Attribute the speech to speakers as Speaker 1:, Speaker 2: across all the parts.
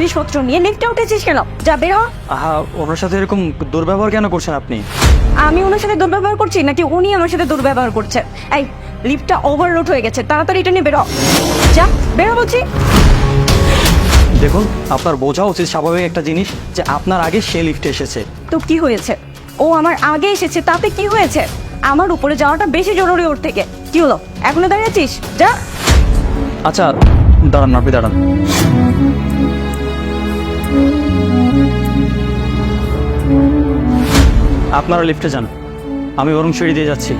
Speaker 1: জিনিসপত্র নিয়ে লিফটে উঠেছিস কেন? যা বের হ।
Speaker 2: ওনার সাথে এরকম দুর্ব্যবহার কেন করছেন আপনি?
Speaker 1: আমি ওনার সাথে দুর্ব্যবহার করছি নাকি উনি আমার সাথে দুর্ব্যবহার করছে? এই লিফটটা ওভারলোড হয়ে গেছে, তাড়াতাড়ি এটা নিয়ে বের হ। যা বের হ বলছি।
Speaker 2: দেখুন, আপনার বোঝা উচিত স্বাভাবিক একটা জিনিস যে আপনার আগে সে লিফটে এসেছে।
Speaker 1: তো কি হয়েছে? ও আমার আগে এসেছে, তাতে কি হয়েছে? আমার উপরে যাওয়াটা বেশি জরুরি ওর থেকে। কি হলো, এখনো দাঁড়িয়ে আছিস? যা।
Speaker 2: আচ্ছা দাঁড়ান, আপনি দাঁড়ান। আপনারা লিফটে যান, আমি বরং সিঁড়ি দিয়ে যাচ্ছি।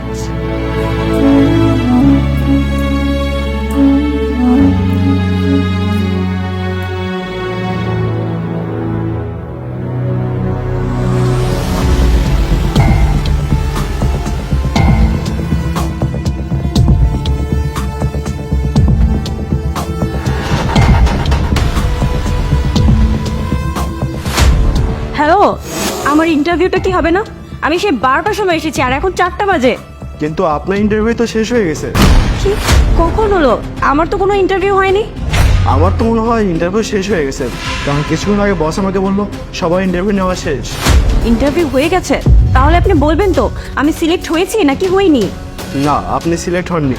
Speaker 1: হ্যালো, আমার ইন্টারভিউটা কি হবে না? আমি সেই 12টার সময় এসেছি আর এখন 4টা বাজে।
Speaker 3: কিন্তু আপনার ইন্টারভিউ তো শেষ হয়ে গেছে।
Speaker 1: কি? কখন হলো? আমার তো কোনো ইন্টারভিউ হয়নি।
Speaker 3: আমার তো মনে হয় ইন্টারভিউ শেষ হয়ে গেছে, কারণ কিছুক্ষণ আগে বস আমাকে বললো সবাই ইন্টারভিউ নেওয়া শেষ।
Speaker 1: ইন্টারভিউ হয়ে গেছে? তাহলে আপনি বলবেন তো আমি সিলেক্ট হয়েছি নাকি হইনি?
Speaker 3: না, আপনি সিলেক্ট হননি।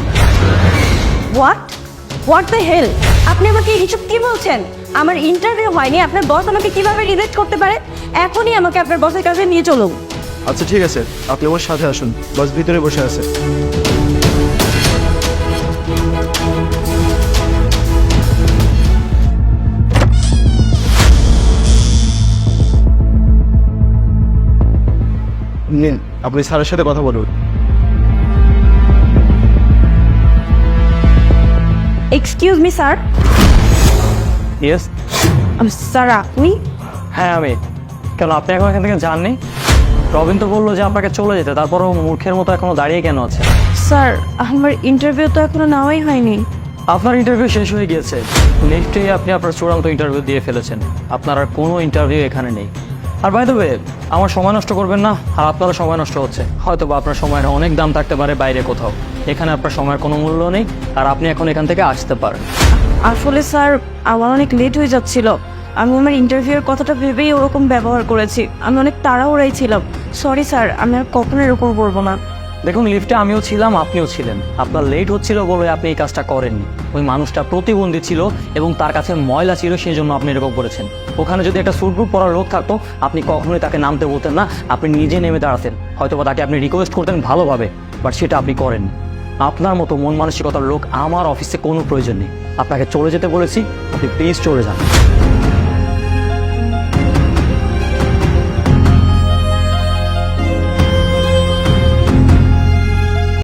Speaker 1: What the hell? আপনি আমাকে এইসব কি বলছেন? আমার ইন্টারভিউ হয়নি, আপনার বস আমাকে কিভাবে রিজেক্ট করতে পারে? এখনই আমাকে আপনার বসের কাছে নিয়ে চলুন।
Speaker 3: আচ্ছা ঠিক আছে, আপনি আমার সাথে আসুন, বস ভিতরে বসে আছে। নিন, আপনি স্যারের সাথে কথা বলুন।
Speaker 1: Excuse me sir.
Speaker 2: Yes.
Speaker 1: Sir আপনি?
Speaker 2: হ্যাঁ আমি। কেন, আপনি এখন এখান থেকে যাননি? রবিন তো বললো যে আপনাকে চলে যেতে, তারপরও মূর্খের মতো এখনো দাঁড়িয়ে কেন আছে?
Speaker 1: স্যার আমার ইন্টারভিউ তো এখনো নেওয়াই হয়নি।
Speaker 2: আপনার ইন্টারভিউ শেষ হয়ে গিয়েছে। নেক্সটেই আপনি আপনার চূড়ান্ত ইন্টারভিউ দিয়ে ফেলেছেন। আপনার আর কোনো ইন্টারভিউ এখানে নেই। আর বাই দ্য ওয়ে, আমার সময় নষ্ট করবেন না, আর আপনারও সময় নষ্ট হচ্ছে। হয়তো বা আপনার সময়ের অনেক দাম থাকতে পারে বাইরে কোথাও, এখানে আপনার সময়ের কোনো মূল্য নেই, আর আপনি এখন এখান থেকে আসতে পারেন।
Speaker 1: আসলে স্যার আমার অনেক লেট হয়ে যাচ্ছিল, আমি আমার ইন্টারভিউয়ের কথাটা ভেবেই ওরকম ব্যবহার করেছি। আমি অনেক তাড়াহুড়াই ছিলাম। সরি স্যার, আমি আর কখনো এরকম করবো না।
Speaker 2: দেখুন, লিফটে আমিও ছিলাম, আপনিও ছিলেন। আপনার লেট হচ্ছিল বলে আপনি এই কাজটা করেননি। ওই মানুষটা প্রতিবন্ধী ছিল এবং তার কাছে ময়লা ছিল, সেই জন্য আপনি এরকম করেছেন। ওখানে যদি একটা স্যুট বুট পরা লোক থাকতো, আপনি কখনোই তাকে নামতে বলতেন না, আপনি নিজে নেমে দাঁড়াতেন। হয়তো বা তাকে আপনি রিকোয়েস্ট করতেন ভালোভাবে, বাট সেটা আপনি করেননি। আপনার মতো মন মানসিকতার লোক আমার অফিসে কোনো প্রয়োজন নেই। আপনাকে চলে যেতে বলেছি, আপনি প্লিজ চলে যান।